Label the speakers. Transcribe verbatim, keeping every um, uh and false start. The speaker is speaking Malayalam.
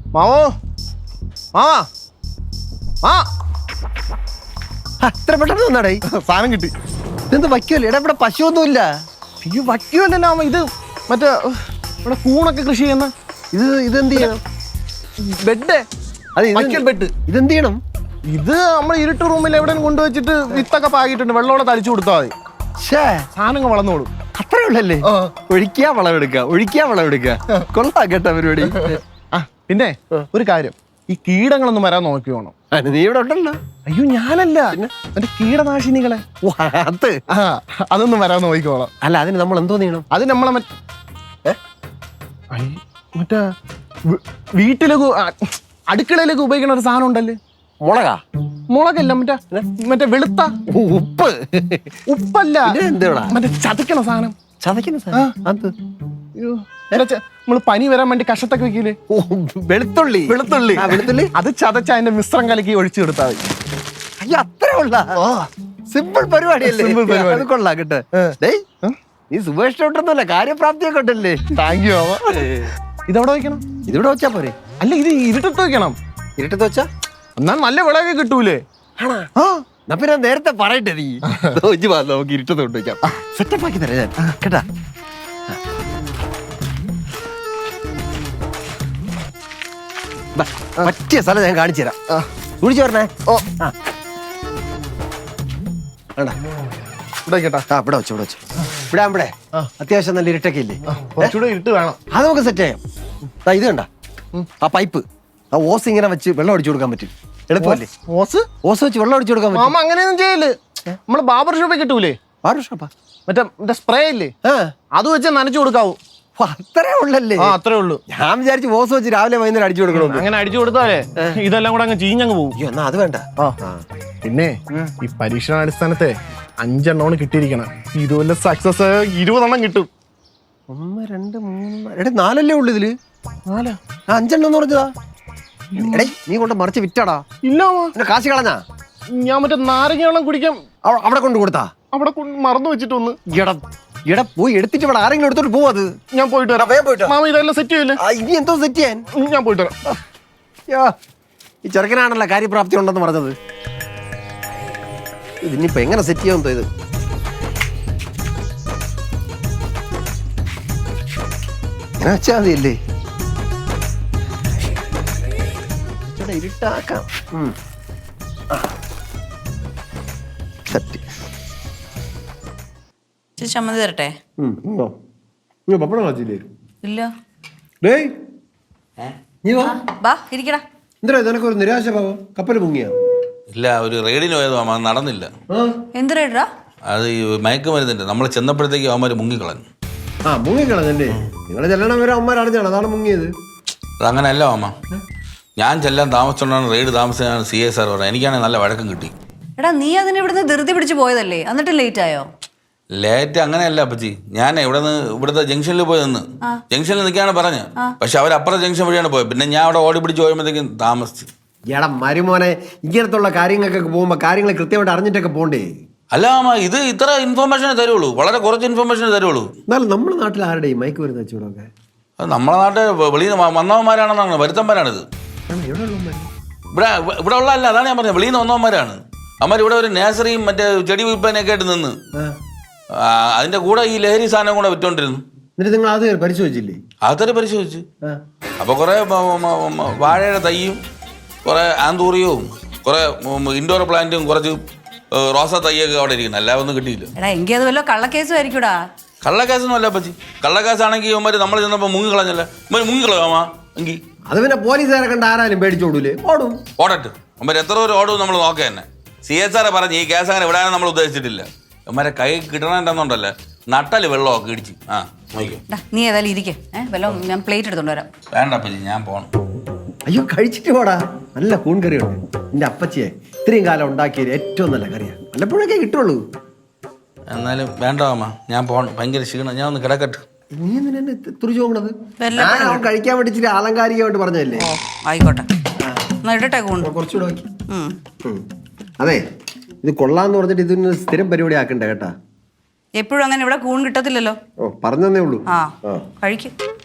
Speaker 1: മാവോ മാവാ ആ
Speaker 2: അത്ര പെട്ടെന്ന് വന്നാടേ
Speaker 1: സാധനം കിട്ടി.
Speaker 2: ഇതെന്ത് വയ്ക്കുമല്ലേ? എടാ ഇവിടെ പശുവൊന്നുമില്ല.
Speaker 1: ഈ വയ്ക്കുമല്ലല്ലോ മാമ, ഇത് മറ്റേ ഇവിടെ കൂണൊക്കെ കൃഷി ചെയ്യുന്ന
Speaker 2: ഇത് ഇതെന്ത് ചെയ്യണം?
Speaker 1: ബെഡ്.
Speaker 2: അത്
Speaker 1: വയ്ക്കൽ ബെഡ്.
Speaker 2: ഇതെന്ത് ചെയ്യണം?
Speaker 1: ഇത് നമ്മൾ ഇരുട്ട് റൂമിൽ എവിടെയും കൊണ്ടുവച്ചിട്ട് വിത്തൊക്കെ പാകിയിട്ടുണ്ട്, വെള്ളമോടെ തളിച്ചു കൊടുത്താൽ മതി. സാധനങ്ങൾ വളർന്നോളും.
Speaker 2: അത്രേ ഉള്ളല്ലേ? ഒഴിക്കാ വളമെടുക്കുക, ഒഴിക്കാ വളമെടുക്കുക. കൊള്ളാം കേട്ടോ പരിപാടി.
Speaker 1: ആ പിന്നെ ഒരു കാര്യം, ഈ കീടങ്ങളൊന്നും വരാൻ നോക്കി വേണം.
Speaker 2: നീ ഇവിടെ ഉണ്ടല്ലോ.
Speaker 1: അയ്യോ ഞാനല്ല, എന്റെ കീടനാശിനികളെ
Speaker 2: അത്
Speaker 1: ആ അതൊന്നും വരാൻ നോക്കിക്കോളാം.
Speaker 2: അല്ല, അതിന് നമ്മൾ എന്തോ ചെയ്യണം?
Speaker 1: അത് നമ്മളെ മറ്റേ മറ്റേ വീട്ടിലേക്ക് അടുക്കളയിലേക്ക് ഉപയോഗിക്കുന്ന ഒരു സാധനം ഉണ്ടല്ലേ,
Speaker 2: മുളകാ?
Speaker 1: മുളകല്ല, മറ്റേ മറ്റേ വെളുത്ത
Speaker 2: ഉപ്പ്.
Speaker 1: ഉപ്പല്ല,
Speaker 2: എന്തുവാ
Speaker 1: മറ്റേ ചതക്കണ സാധനം.
Speaker 2: ചതക്കുന്ന സാധനം?
Speaker 1: നമ്മള് പനി വരാൻ വേണ്ടി കഷത്തൊക്കെ വെക്കില്ലേ,
Speaker 2: വെളുത്തുള്ളി.
Speaker 1: വെളുത്തുള്ളി
Speaker 2: വെളുത്തുള്ളി
Speaker 1: അത് ചതച്ച അതിന്റെ മിശ്രം കലക്കി ഒഴിച്ചു കൊടുത്താൽ മതി.
Speaker 2: അയ്യോ അത്രേ ഉള്ള സിമ്പിൾ പരിപാടിയല്ലേ?
Speaker 1: സിമ്പിൾ പരിപാടി.
Speaker 2: അത് കൊള്ളാം കേട്ടോ. നീ സുഭേഷിട്ടൊന്നല്ല, കാര്യപ്രാപ്തിയൊക്കെ ഉണ്ടല്ലേ?
Speaker 1: Thank you. ഇതെവിടെ വെക്കണം?
Speaker 2: ഇതിവിടെ വെച്ചാ പോരെ?
Speaker 1: അല്ല, ഇത് ഇരുട്ടത്ത് വെക്കണം.
Speaker 2: ഇരുട്ടത്ത് വെച്ചാ
Speaker 1: എന്നാൽ നല്ല വിളവൊക്കെ കിട്ടൂലേ?
Speaker 2: ആ പിന്നെ നേരത്തെ പറയട്ടെ നീ. നമുക്ക് ഇരുട്ടത്ത് കൊണ്ടുവയ്ക്കാം, സെറ്റപ്പ് ആക്കി തരാം ഞാൻ കേട്ടാ. പറ്റിയ സ്ഥലം ഞാൻ കാണിച്ചു തരാം. കുടിച്ചു പറഞ്ഞേ. ഓ ആ
Speaker 1: ഇവിടെ കേട്ടാ.
Speaker 2: ആ ഇവിടെ വെച്ചു, ഇവിടെ വെച്ചു. ഇവിടെ ഇവിടെ അത്യാവശ്യം നല്ല ഇരുട്ടൊക്കെ ഇല്ലേ?
Speaker 1: കുറച്ചുകൂടെ ഇരുട്ട് വേണം.
Speaker 2: അത് നമുക്ക് സെറ്റ് ചെയ്യാം. ഇത് കണ്ട ആ പൈപ്പ്, ആ ഓസ് ഇങ്ങനെ വെച്ച് വെള്ളം അടിച്ചു കൊടുക്കാൻ പറ്റും. എളുപ്പമല്ലേ?
Speaker 1: ഓസ്
Speaker 2: ഓസ് വെച്ച് വെള്ളം അടിച്ചു കൊടുക്കാൻ പറ്റും.
Speaker 1: മാമ അങ്ങനെയൊന്നും ചെയ്യല്. നമ്മള് ബാബർ ഷോപ്പിൽ കിട്ടൂലേ,
Speaker 2: ബാർബർ ഷോപ്പാ?
Speaker 1: മറ്റേ മറ്റേ സ്പ്രേ ഇല്ലേ, അത് വെച്ച് നനച്ചു കൊടുക്കാവൂ.
Speaker 2: അത്രേ ഉള്ളല്ലേ?
Speaker 1: ആ അത്രേ ഉള്ളൂ.
Speaker 2: ഞാൻ വിചാരിച്ചു ഓസ് വെച്ച് രാവിലെ വൈകുന്നേരം അടിച്ചു കൊടുക്കണം.
Speaker 1: അങ്ങനെ അടിച്ചു കൊടുത്താലേ ഇതെല്ലാം കൂടെ അങ്ങ് ചീഞ്ഞങ്ങ് പോകും.
Speaker 2: അയ്യോ എന്നാ അത് വേണ്ട.
Speaker 1: പിന്നെ ഈ പരീക്ഷണാടിസ്ഥാനത്തെ അഞ്ചെണ്ണമാണ് കിട്ടിയിരിക്കണം. ഇതുപോലെ സക്സസ് ഇരുപതെണ്ണം കിട്ടും.
Speaker 2: ഒന്ന് രണ്ട് മൂന്ന് എടേ നാലല്ലേ ഉള്ളു ഇതില്?
Speaker 1: നാലാ?
Speaker 2: അഞ്ചെണ്ണം എന്ന് പറഞ്ഞതാ. എടേ നീ കൊണ്ട് മറിച്ച് വിറ്റാടാ.
Speaker 1: ഇല്ല
Speaker 2: കാശ് കളഞ്ഞാ?
Speaker 1: ഞാൻ മറ്റേ നാരങ്ങ വെള്ളം കുടിക്കാൻ
Speaker 2: അവിടെ കൊണ്ട് കൊടുത്താ?
Speaker 1: അവിടെ മറന്നു വെച്ചിട്ടൊന്ന്.
Speaker 2: എടാ എടാ പോയി എടുത്തിട്ട് ഇവിടെ ആരെങ്കിലും എടുത്തോട്ട് പോവത്.
Speaker 1: ഞാൻ പോയിട്ട് വരാം. പോയിട്ട് മാമ ഇതെല്ലാം സെറ്റ് ചെയ്യില്ലേ?
Speaker 2: ഇനി എന്തോ സെറ്റ് ചെയ്യാൻ?
Speaker 1: ഞാൻ പോയിട്ട് വരാം.
Speaker 2: ഈ ചെറുക്കനാണല്ലോ കാര്യപ്രാപ്തി ഉണ്ടെന്ന് പറഞ്ഞത്. ഇതിനിപ്പോ എങ്ങനെ സെറ്റ് ചെയ്യാൻ ഇത്? എങ്ങനെ വെച്ചാ മതിയല്ലേ? ഇരുട്ടാക്കാം.
Speaker 3: ചമ്മന്തി തരട്ടെ?
Speaker 2: പപ്പടം കാച്ചില്ലേ?
Speaker 3: ഇല്ല. ബാ ഇരിക്കടാ.
Speaker 2: എന്താ നിനക്കൊരു നിരാശ ഭാവം? കപ്പൽ മുങ്ങിയ?
Speaker 4: ഇല്ല, ഒരു റെയ്ഡിന് പോയത് മാമ, നടന്നില്ല.
Speaker 3: എന്ത് റെയ്ഡാ?
Speaker 4: അത് ഈ മയക്കുമരുന്നുണ്ട്, നമ്മൾ ചെന്നപ്പോഴത്തേക്ക് അവന്മാർ മുങ്ങിക്കളഞ്ഞു.
Speaker 2: ആ മുങ്ങിക്കളഞ്ഞല്ലേ? നിങ്ങൾ ചെല്ലണം വരെ അവന്മാർ അറിഞ്ഞാണ് അതാണ് മുങ്ങിയത്.
Speaker 4: അതങ്ങനെയല്ല മാമ, ഞാൻ ചെല്ലാൻ താമസിച്ചോണ്ടാണ് റെയ്ഡ് താമസിച്ചാണ് സി എ സാർ പറഞ്ഞത്. എനിക്കാണെങ്കിൽ നല്ല വഴക്കം കിട്ടി.
Speaker 3: എടാ നീ അതിന് ഇവിടുന്ന് ധൃതി പിടിച്ച് പോയതല്ലേ, എന്നിട്ട് ലേറ്റ് ആയോ?
Speaker 4: ലേറ്റ് അങ്ങനെയല്ല അപ്പച്ചി, ഞാൻ ഇവിടെ നിന്ന് ഇവിടുത്തെ ജംഗ്ഷനിൽ പോയി നിന്ന് ജംഗ്ഷനിൽ നിൽക്കാണ് പറഞ്ഞത്. പക്ഷെ അവർ അപ്പുറത്തെ ജംഗ്ഷൻ വഴിയാണ് പോയത്. പിന്നെ ഞാൻ അവിടെ ഓടി പിടിച്ച് പോയപ്പോഴത്തേക്കും താമസിച്ചു.
Speaker 2: എടാ മരുമോനെ, ഇങ്ങനത്തുള്ള കാര്യങ്ങൾക്കൊക്കെ പോകുമ്പോ കാര്യങ്ങൾ കൃത്യമായിട്ട് അറിഞ്ഞിട്ടൊക്കെ പോണ്ടേ?
Speaker 4: അല്ല മാമ, ഇത് ഇത്ര ഇൻഫർമേഷനെ തരുള്ളൂ, വളരെ കുറച്ച് ഇൻഫർമേഷനെ തരുള്ളൂ.
Speaker 2: എന്നാലും നമ്മുടെ നാട്ടിൽ ആരുടെ മയക്ക് വരുന്ന വെച്ചുകൂടൊക്കെ?
Speaker 4: അത് നമ്മളെ നാട്ടിൽ വെളിയിൽ നിന്ന് വന്നവന്മാരാണെന്നാണ്, വരുത്തന്മാരാണിത്. ഇവിടെ ഇവിടെ ഉള്ള അല്ല, അതാണ് ഞാൻ പറഞ്ഞത്, വെളിയിൽ നിന്ന് വന്നവന്മാരാണ്. അവന്മാർ ഇവിടെ ഒരു നേഴ്സറിയും മറ്റേ ചെടി വിൽപ്പനയൊക്കെ ആയിട്ട് നിന്ന് അതിന്റെ കൂടെ ഈ ലഹരി സാധനം കൂടെ വിറ്റോണ്ടിരുന്നു.
Speaker 2: എന്നിട്ട് നിങ്ങൾ അത് പരിശോധിച്ചില്ലേ?
Speaker 4: അതൊരു പരിശോധിച്ചു. അപ്പൊ കുറെ വാഴയുടെ തൈയും കുറെ ആന്തൂറിയവും കുറെ ഇൻഡോർ പ്ലാന്റും കുറച്ച് റോസ തൈയൊക്കെ അവിടെ ഇരിക്കുന്നു. എല്ലാം ഒന്നും കിട്ടിയില്ല.
Speaker 3: എങ്കിൽ അത് വല്ല കള്ളക്കേസും ആയിരിക്കൂടാ.
Speaker 4: കള്ളക്കേസൊന്നും അല്ല പറ്റി. കള്ളക്കേസാണെങ്കിൽ ഇവന്മാര് നമ്മൾ ചെന്നപ്പോ മുങ്ങിക്കളഞ്ഞല്ല, ഇവര് മുങ്ങിക്കളയാമാ എങ്കിൽ
Speaker 2: അത് പിന്നെ പോലീസുകാരെ കണ്ട് ആരാലും പേടിച്ചോടൂലേ? ഓടും.
Speaker 4: ഓടട്ട് അവന്മാർ എത്ര പേര് ഓടും നമ്മൾ നോക്കുക തന്നെ. സി എസ് ആറെ പറഞ്ഞ് ഈ കേസ് അങ്ങനെ വിടാനും നമ്മൾ ഉദ്ദേശിച്ചിട്ടില്ല. അവന്മാരെ കൈ കിട്ടണമെന്നുണ്ടല്ലേ, നട്ടല് വെള്ളമൊക്കെ ഇടിച്ച്. ആ
Speaker 3: നീ ഏതായാലും ഇരിക്കേ, വെള്ളം ഞാൻ പ്ലേറ്റ് എടുത്തോണ്ട് വരാം.
Speaker 4: വേണ്ട അപ്പച്ചി, ഞാൻ പോണം.
Speaker 2: അയ്യോ കഴിച്ചിട്ട് പോടാ, നല്ല കൂൺ കറിയുണ്ട്. എന്റെ അപ്പച്ചിയെ ഇത്രയും കാലം ഉണ്ടാക്കിയത് ഏറ്റവും നല്ല കറിയാണ്. വല്ലപ്പോഴൊക്കെ കിട്ടുള്ളൂ.
Speaker 4: എന്നാലും വേണ്ട അമ്മ, ഞാൻ പോണം, ഭയങ്കര ക്ഷീണം, ഞാൻ ഒന്ന് കിടക്കട്ടെ.
Speaker 2: നീ എന്തിനാ തുറിച്ചു പോകണത്? ഞാൻ കഴിക്കാൻ വേണ്ടി ഇച്ചിരി ആലങ്കാരികമായിട്ട് പറഞ്ഞതല്ലേ?
Speaker 3: ആയിക്കോട്ടെ, കുറച്ചുകൂടെ
Speaker 2: നോക്കി. അതെ, ഇത് കൊള്ളാന്ന് പറഞ്ഞിട്ട് ഇതിന് സ്ഥിരം പരിപാടി ആക്കണ്ടേ കേട്ടാ.
Speaker 3: എപ്പോഴും അങ്ങനെ ഇവിടെ കൂൺ കിട്ടത്തില്ലല്ലോ.
Speaker 2: ഓ പറഞ്ഞതേ ഉള്ളൂ.
Speaker 3: ആ കഴിക്കും.